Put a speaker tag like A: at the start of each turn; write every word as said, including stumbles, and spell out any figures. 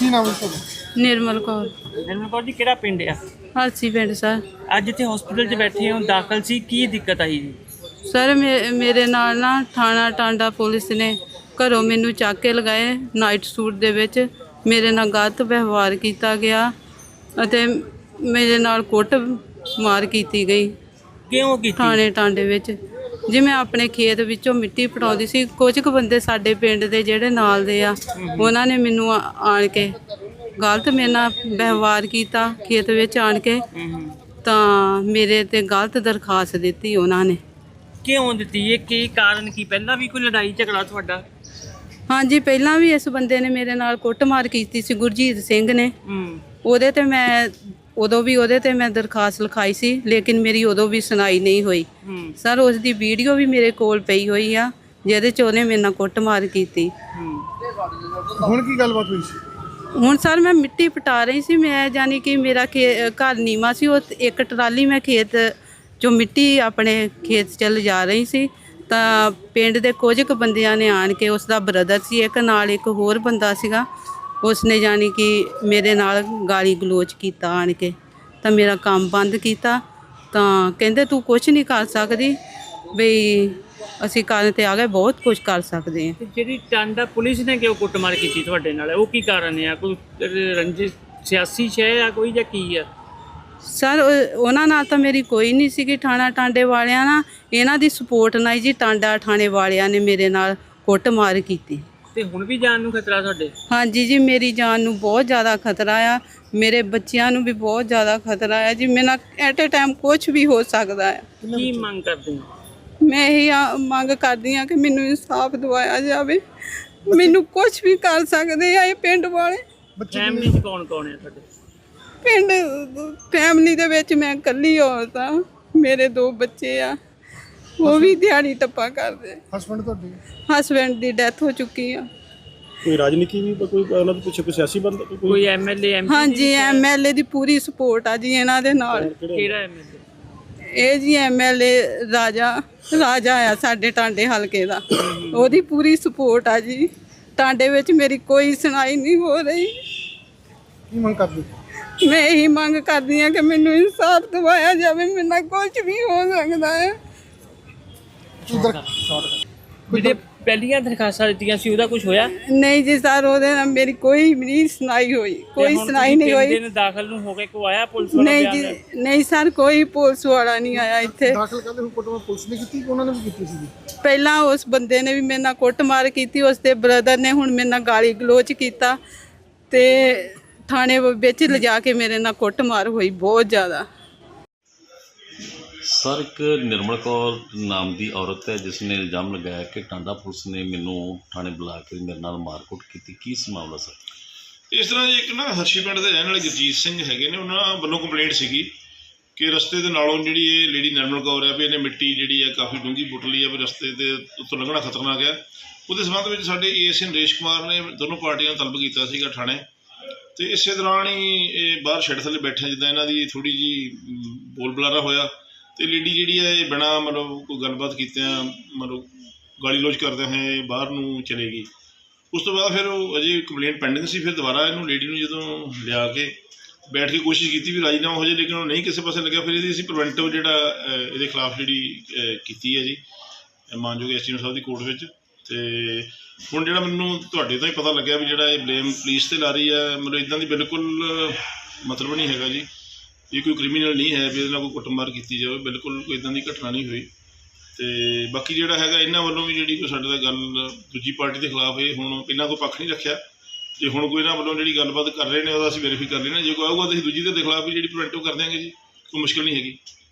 A: ਕੀ ਨਾਮ ਹੈ ਤੁਹਾਡਾ?
B: निर्मल कौर
C: ਨਿਰਮਲ ਕੌਰ ਜੀ ਕਿਹੜਾ ਪਿੰਡ ਆ?
B: हलसी पिंड सर।
C: ਅੱਜ ਇੱਥੇ ਹਸਪੀਟਲ 'ਚ ਬੈਠੇ ਹੋ, ਦਾਖਲ ਸੀ, ਕੀ ਦਿੱਕਤ ਆਈ ਜੀ?
B: ਸਰ ਮੇ ਮੇਰੇ ਨਾਲ ਨਾ ਥਾਣਾ ਟਾਂਡਾ ਪੁਲਿਸ ਨੇ ਘਰੋਂ ਮੈਨੂੰ ਚੱਕ ਕੇ ਲਗਾਏ ਨਾਈਟ ਸੂਟ ਦੇ ਵਿੱਚ। ਮੇਰੇ ਨਾਲ ਗਲਤ ਵਿਵਹਾਰ ਕੀਤਾ ਗਿਆ ਅਤੇ ਮੇਰੇ ਨਾਲ ਕੁੱਟ ਮਾਰ ਕੀਤੀ ਗਈ
C: ਕਿਉਂ ਕੀਤੀ?
B: ਥਾਣੇ ਟਾਂਡੇ ਵਿੱਚ। ਜੀ ਮੈਂ ਆਪਣੇ ਖੇਤ ਵਿੱਚੋਂ ਮਿੱਟੀ ਪਟਾਉਂਦੀ ਸੀ। ਕੁਝ ਕੁ ਬੰਦੇ ਸਾਡੇ ਪਿੰਡ ਦੇ ਜਿਹੜੇ ਨਾਲ ਦੇ ਆ, ਉਹਨਾਂ ਨੇ ਮੈਨੂੰ ਆ- ਆਣ ਕੇ ਗਲਤ ਮੇਰੇ ਨਾਲ ਵਿਵਹਾਰ ਕੀਤਾ ਖੇਤ ਵਿੱਚ ਆਣ ਕੇ। ਤਾਂ ਮੇਰੇ ਤੇ ਗਲਤ ਦਰਖਾਸਤ ਦਿੱਤੀ ਉਹਨਾਂ ਨੇ।
C: ਕਿਉਂ ਦਿੱਤੀ? ਇਹ ਕੀ ਕਾਰਨ ਕੀ? ਪਹਿਲਾਂ ਵੀ ਕੋਈ ਲੜਾਈ ਝਗੜਾ ਤੁਹਾਡਾ?
B: ਹਾਂਜੀ, ਪਹਿਲਾਂ ਵੀ ਇਸ ਬੰਦੇ ਨੇ ਮੇਰੇ ਨਾਲ ਕੁੱਟਮਾਰ ਕੀਤੀ ਸੀ, ਗੁਰਜੀਤ ਸਿੰਘ ਨੇ।
C: ਹੂੰ
B: ਉਹਦੇ ਤੇ ਮੈਂ ਉਦੋਂ ਵੀ ਉਹਦੇ ਤੇ ਮੈਂ ਦਰਖਾਸਤ ਲਿਖਾਈ ਸੀ, ਲੇਕਿਨ ਮੇਰੀ ਉਦੋਂ ਵੀ ਸੁਣਾਈ ਨਹੀਂ ਹੋਈ।
C: ਹੂੰ
B: ਸਰ ਉਸ ਦੀ ਵੀਡੀਓ ਵੀ ਮੇਰੇ ਕੋਲ ਪਈ ਹੋਈ ਆ, ਜਿਹਦੇ 'ਚ ਉਹਨੇ ਮੇਰੇ ਨਾਲ ਕੁੱਟਮਾਰ ਕੀਤੀ।
C: ਹੂੰ
A: ਹੁਣ ਕੀ ਗੱਲਬਾਤ ਹੋਈ ਸੀ?
B: ਹੁਣ ਸਰ ਮੈਂ ਮਿੱਟੀ ਪਟਾ ਰਹੀ ਸੀ। ਮੈਂ ਜਾਨੀ ਕਿ ਮੇਰਾ ਖੇ ਘਰ ਨੀਵਾਂ ਸੀ, ਉਹ ਇੱਕ ਟਰਾਲੀ ਮੈਂ ਖੇਤ 'ਚੋਂ ਮਿੱਟੀ ਆਪਣੇ ਖੇਤ 'ਚ ਲਿਜਾ ਰਹੀ ਸੀ। ਤਾਂ ਪਿੰਡ ਦੇ ਕੁਝ ਕੁ ਬੰਦਿਆਂ ਨੇ ਆਣ ਕੇ, ਉਸ ਦਾ ਬ੍ਰਦਰ ਸੀ ਇੱਕ, ਨਾਲ ਇੱਕ ਹੋਰ ਬੰਦਾ ਸੀਗਾ, ਉਸਨੇ ਜਾਨੀ ਕਿ ਮੇਰੇ ਨਾਲ ਗਾਲੀ ਗਲੋਚ ਕੀਤਾ ਆਣ ਕੇ। ਤਾਂ ਮੇਰਾ ਕੰਮ ਬੰਦ ਕੀਤਾ। ਤਾਂ ਕਹਿੰਦੇ ਤੂੰ ਕੁਛ ਨਹੀਂ ਕਰ ਸਕਦੀ, ਬਈ ਅਸੀਂ ਕਰਨ ਤੇ ਆ ਗਏ, ਬਹੁਤ ਕੁਝ ਕਰ ਸਕਦੇ ਹਾਂ।
C: ਤੇ ਜਿਹੜੀ ਟਾਂਡਾ ਪੁਲਿਸ ਨੇ ਕਿਉਂ ਕੁੱਟਮਾਰ ਕੀਤੀ ਤੁਹਾਡੇ ਨਾਲ? ਉਹ ਕੀ ਕਾਰਨ ਆ? ਕੋਈ ਰੰਜਿਸ਼ ਸਿਆਸੀ ਸ਼ੈ ਆ ਕੋਈ, ਜਾਂ ਕੀ ਆ?
B: ਸਰ ਉਹ- ਉਹਨਾਂ ਨਾਲ ਤਾਂ ਮੇਰੀ ਕੋਈ ਨਹੀਂ ਸੀਗੀ। ਥਾਣਾ ਟਾਂਡੇ ਵਾਲਿਆਂ ਨਾਲ, ਇਹਨਾਂ ਦੀ ਸਪੋਰਟ ਨਾਲ ਜੀ ਟਾਂਡਾ ਥਾਣੇ ਵਾਲਿਆਂ ਨੇ ਮੇਰੇ ਨਾਲ ਕੁੱਟਮਾਰ ਕੀਤੀ।
C: ਤੇ ਹੁਣ ਵੀ ਜਾਨ ਨੂੰ ਖਤਰਾ ਤੁਹਾਡੇ?
B: ਹਾਂਜੀ ਜੀ, ਮੇਰੀ ਜਾਨ ਨੂੰ ਬਹੁਤ ਜ਼ਿਆਦਾ ਖਤਰਾ ਆ, ਮੇਰੇ ਬੱਚਿਆਂ ਨੂੰ ਵੀ ਬਹੁਤ ਜ਼ਿਆਦਾ ਖਤਰਾ ਆ ਜੀ। ਮੇਰੇ ਨਾਲ ਐਟ ਏ ਟਾਈਮ ਕੁਝ ਵੀ ਹੋ ਸਕਦਾ ਹੈ।
C: ਕੀ ਮੰਗ ਕਰਦੇ ਹੋ?
B: ਮੈਂ ਇਹੀ ਆ- ਮੰਗ ਕਰਦੀ ਹਾਂ ਕਿ ਮੈਨੂੰ ਇਨਸਾਫ ਦਿਵਾਇਆ ਜਾਵੇ। ਮੈਨੂੰ ਕੁਝ ਵੀ ਕਰ ਸਕਦੇ ਆ ਇਹ ਪਿੰਡ ਵਾਲੇ।
C: ਫੈਮਿਲੀ 'ਚ ਕੌਣ ਕੌਣ ਹੈ ਤੁਹਾਡੇ?
B: ਪਿੰਡ ਫੈਮਿਲੀ ਦੇ ਵਿੱਚ ਮੈਂ ਇਕੱਲੀ ਔਰਤ ਆ, ਮੇਰੇ ਦੋ ਬੱਚੇ ਆ, ਉਹ ਵੀ ਦਿਹਾੜੀ ਟੱਪਾ ਕਰਦੇ।
A: ਹਸਬੰਡ ਤੁਹਾਡੇ?
B: ਹਸਬੈਂਡ ਦੀ ਡੈਥ ਹੋ ਚੁੱਕੀ ਆ।
D: ਕੋਈ ਰਾਜਨੀਤੀ ਵੀ ਕੋਈ ਉਹਨਾਂ ਦੇ ਪਿੱਛੇ ਕੋਈ ਸਿਆਸੀ ਬੰਦਾ ਕੋਈ
C: ਕੋਈ ਐਮਐਲਏ ਐਮਪੀ?
B: ਹਾਂਜੀ, ਐਮਐਲਏ ਦੀ ਪੂਰੀ ਸਪੋਰਟ ਆ ਜੀ ਇਹਨਾਂ ਦੇ ਨਾਲ।
C: ਕਿਹੜਾ ਐਮਐਲਏ?
B: ਇਹ ਜੀ ਐਮਐਲਏ ਰਾਜਾ ਰਾਜਾ ਆ ਸਾਡੇ ਟਾਂਡੇ ਹਲਕੇ ਦਾ, ਉਹਦੀ ਪੂਰੀ ਸਪੋਰਟ ਆ ਜੀ। ਟਾਂਡੇ ਵਿੱਚ ਮੇਰੀ ਕੋਈ ਸੁਣਾਈ ਨਹੀਂ ਹੋ ਰਹੀ।
A: ਕੀ ਮੰਗ ਕਰਦੇ?
B: ਮੈਂ ਇਹੀ ਮੰਗ ਕਰਦੀ ਹਾਂ ਕਿ ਮੈਨੂੰ ਇਨਸਾਫ ਦਿਵਾਇਆ ਜਾਵੇ। ਮੇਰੇ ਨਾਲ ਕੁਝ ਵੀ ਹੋ ਸਕਦਾ ਹੈ।
C: ਜਿਹੜੇ ਪਹਿਲੀਆਂ ਦਰਖਾਸਤਾਂ ਦਿੱਤੀਆਂ ਸੀ ਉਹਦਾ ਕੁਝ ਹੋਇਆ?
B: ਨਹੀਂ ਜੀ ਸਰ, ਉਹਦੇ ਨਾਲ ਮੇਰੀ ਕੋਈ ਵੀ ਨਹੀਂ ਸੁਣਾਈ ਹੋਈ, ਕੋਈ ਸੁਣਾਈ ਨਹੀਂ ਹੋਈ।
C: ਦਿਨ ਦਾਖਲ ਨੂੰ ਹੋ ਕੇ ਕੋ ਆਇਆ ਪੁਲਿਸ ਵਾਲਾ?
B: ਨਹੀਂ ਜੀ, ਨਹੀਂ ਸਰ, ਕੋਈ ਪੁਲਿਸ ਵਾਲਾ ਨਹੀਂ ਆਇਆ ਇੱਥੇ।
A: ਦਾਖਲ ਕਰਦੇ ਹੁਣ ਕੁੱਟਮਾਰ ਪੁਲਿਸ ਨੇ ਕੀਤੀ ਕਿ ਉਹਨਾਂ ਨੇ ਵੀ ਕੀਤੀ ਸੀ?
B: ਪਹਿਲਾਂ ਉਸ ਬੰਦੇ ਨੇ ਵੀ ਮੇਰੇ ਨਾਲ ਕੁੱਟਮਾਰ ਕੀਤੀ, ਉਸ ਦੇ ਬ੍ਰਦਰ ਨੇ ਹੁਣ ਮੇਰੇ ਨਾਲ ਗਾਲੀ ਗਲੋਚ ਕੀਤਾ ਤੇ ਥਾਣੇ ਵਿੱਚ ਲਿਜਾ ਕੇ ਮੇਰੇ ਨਾਲ ਕੁੱਟਮਾਰ ਹੋਈ ਬਹੁਤ ਜ਼ਿਆਦਾ।
E: ਸਰ, ਇੱਕ ਨਿਰਮਲ ਕੌਰ ਨਾਮ ਦੀ ਔਰਤ ਹੈ ਜਿਸ ਨੇ ਇਲਜ਼ਾਮ ਲਗਾਇਆ ਕਿ ਟਾਂਡਾ ਪੁਲਿਸ ਨੇ ਮੈਨੂੰ ਥਾਣੇ ਬੁਲਾ ਕੇ ਮੇਰੇ ਨਾਲ ਮਾਰਕੁੱਟ ਕੀਤੀ। ਕੀ ਇਸ ਮਾਮਲਾ ਸਰ?
F: ਇਸ ਤਰ੍ਹਾਂ ਜੀ, ਇੱਕ ਨਾ ਹਰਸ਼ੀ ਪਿੰਡ ਦੇ ਰਹਿਣ ਵਾਲੇ ਗੁਰਜੀਤ ਸਿੰਘ ਹੈਗੇ ਨੇ, ਉਹਨਾਂ ਵੱਲੋਂ ਕੰਪਲੇਂਟ ਸੀਗੀ ਕਿ ਰਸਤੇ ਦੇ ਨਾਲੋਂ ਜਿਹੜੀ ਇਹ ਲੇਡੀ ਨਿਰਮਲ ਕੌਰ ਹੈ ਵੀ ਇਹਨੇ ਮਿੱਟੀ ਜਿਹੜੀ ਹੈ ਕਾਫੀ ਡੂੰਘੀ ਪੁੱਟ ਲਈ ਹੈ, ਵੀ ਰਸਤੇ ਦੇ ਉੱਤੋਂ ਲੰਘਣਾ ਖਤਰਨਾਕ ਹੈ। ਉਹਦੇ ਸੰਬੰਧ ਵਿੱਚ ਸਾਡੇ ਏਐਸਆਈ ਨਰੇਸ਼ ਕੁਮਾਰ ਨੇ ਦੋਨੋਂ ਪਾਰਟੀਆਂ ਨੂੰ ਤਲਬ ਕੀਤਾ ਸੀਗਾ ਥਾਣੇ, ਤੇ ਇਸੇ ਦੌਰਾਨ ਹੀ ਇਹ ਬਾਹਰ ਸ਼ੈੱਡ ਥੱਲੇ ਬੈਠੇ ਜਿੱਦਾਂ ਇਹਨਾਂ ਦੀ ਥੋੜ੍ਹੀ ਜਿਹੀ ਬੋਲ ਬੁਲਾਰਾ ਹੋਇਆ, ਤੇ ਲੇਡੀ ਜਿਹੜੀ ਹੈ ਇਹ ਬਿਨਾਂ ਮਤਲਬ ਕੋਈ ਗੱਲਬਾਤ ਕੀਤਿਆਂ ਮਤਲਬ ਗਾਲੀ ਲੋਚ ਕਰਦਿਆਂ ਹੋਏ ਬਾਹਰ ਨੂੰ ਚਲੇ ਗਈ। ਉਸ ਤੋਂ ਬਾਅਦ ਫਿਰ ਉਹ ਅਜੇ ਕੰਪਲੇਂਟ ਪੈਂਡਿੰਗ ਸੀ। ਫਿਰ ਦੁਬਾਰਾ ਇਹਨੂੰ ਲੇਡੀ ਨੂੰ ਜਦੋਂ ਲਿਆ ਕੇ ਬੈਠ ਕੇ ਕੋਸ਼ਿਸ਼ ਕੀਤੀ ਵੀ ਰਾਜੀਨਾਮਾ ਹੋ ਜਾਏ, ਲੇਕਿਨ ਉਹ ਨਹੀਂ ਕਿਸੇ ਪਾਸੇ ਲੱਗਿਆ। ਫਿਰ ਇਹਦੀ ਅਸੀਂ ਪ੍ਰੀਵੈਂਟਿਵ ਜਿਹੜਾ ਇਹਦੇ ਖਿਲਾਫ ਜਿਹੜੀ ਕੀਤੀ ਹੈ ਜੀ ਮਾਨਯੋਗ ਐਸਡੀਐਮ ਸਾਹਿਬ ਦੀ ਕੋਰਟ ਵਿੱਚ। ਤੇ ਹੁਣ ਜਿਹੜਾ ਮੈਨੂੰ ਤੁਹਾਡੇ ਤੋਂ ਹੀ ਪਤਾ ਲੱਗਿਆ ਵੀ ਜਿਹੜਾ ਇਹ ਬਲੇਮ ਪੁਲਿਸ 'ਤੇ ਲਾ ਰਹੀ ਹੈ, ਮਤਲਬ ਇੱਦਾਂ ਦੀ ਬਿਲਕੁਲ ਮਤਲਬ ਨਹੀਂ ਹੈਗਾ ਜੀ। ਇਹ ਕੋਈ ਕ੍ਰਿਮੀਨਲ ਨਹੀਂ ਹੈ ਵੀ ਇਹਦੇ ਨਾਲ ਕੋਈ ਕੁੱਟਮਾਰ ਕੀਤੀ ਜਾਵੇ, ਬਿਲਕੁਲ ਕੋਈ ਇੱਦਾਂ ਦੀ ਘਟਨਾ ਨਹੀਂ ਹੋਈ। ਤੇ ਬਾਕੀ ਜਿਹੜਾ ਹੈਗਾ ਇਹਨਾਂ ਵੱਲੋਂ ਵੀ ਜਿਹੜੀ ਕੋਈ ਸਾਡੇ ਦਾ ਗੱਲ ਦੂਜੀ ਪਾਰਟੀ ਦੇ ਖਿਲਾਫ, ਇਹ ਹੁਣ ਪਹਿਲਾਂ ਕੋਈ ਪੱਖ ਨਹੀਂ ਰੱਖਿਆ। ਜੇ ਹੁਣ ਕੋਈ ਇਹਨਾਂ ਵੱਲੋਂ ਜਿਹੜੀ ਗੱਲਬਾਤ ਕਰ ਰਹੇ ਨੇ ਉਹਦਾ ਅਸੀਂ ਵੈਰੀਫਾਈ ਕਰ ਲੈਣਾ। ਜੇ ਕੋਈ ਆਊਗਾ ਤਾਂ ਅਸੀਂ ਦੂਜੀ ਦੇ ਖਿਲਾਫ ਵੀ ਜਿਹੜੀ ਪ੍ਰੀਵੈਂਟਿਵ ਕਰ ਦਿਆਂਗੇ ਜੀ, ਕੋਈ ਮੁਸ਼ਕਿਲ ਨਹੀਂ ਹੈਗੀ।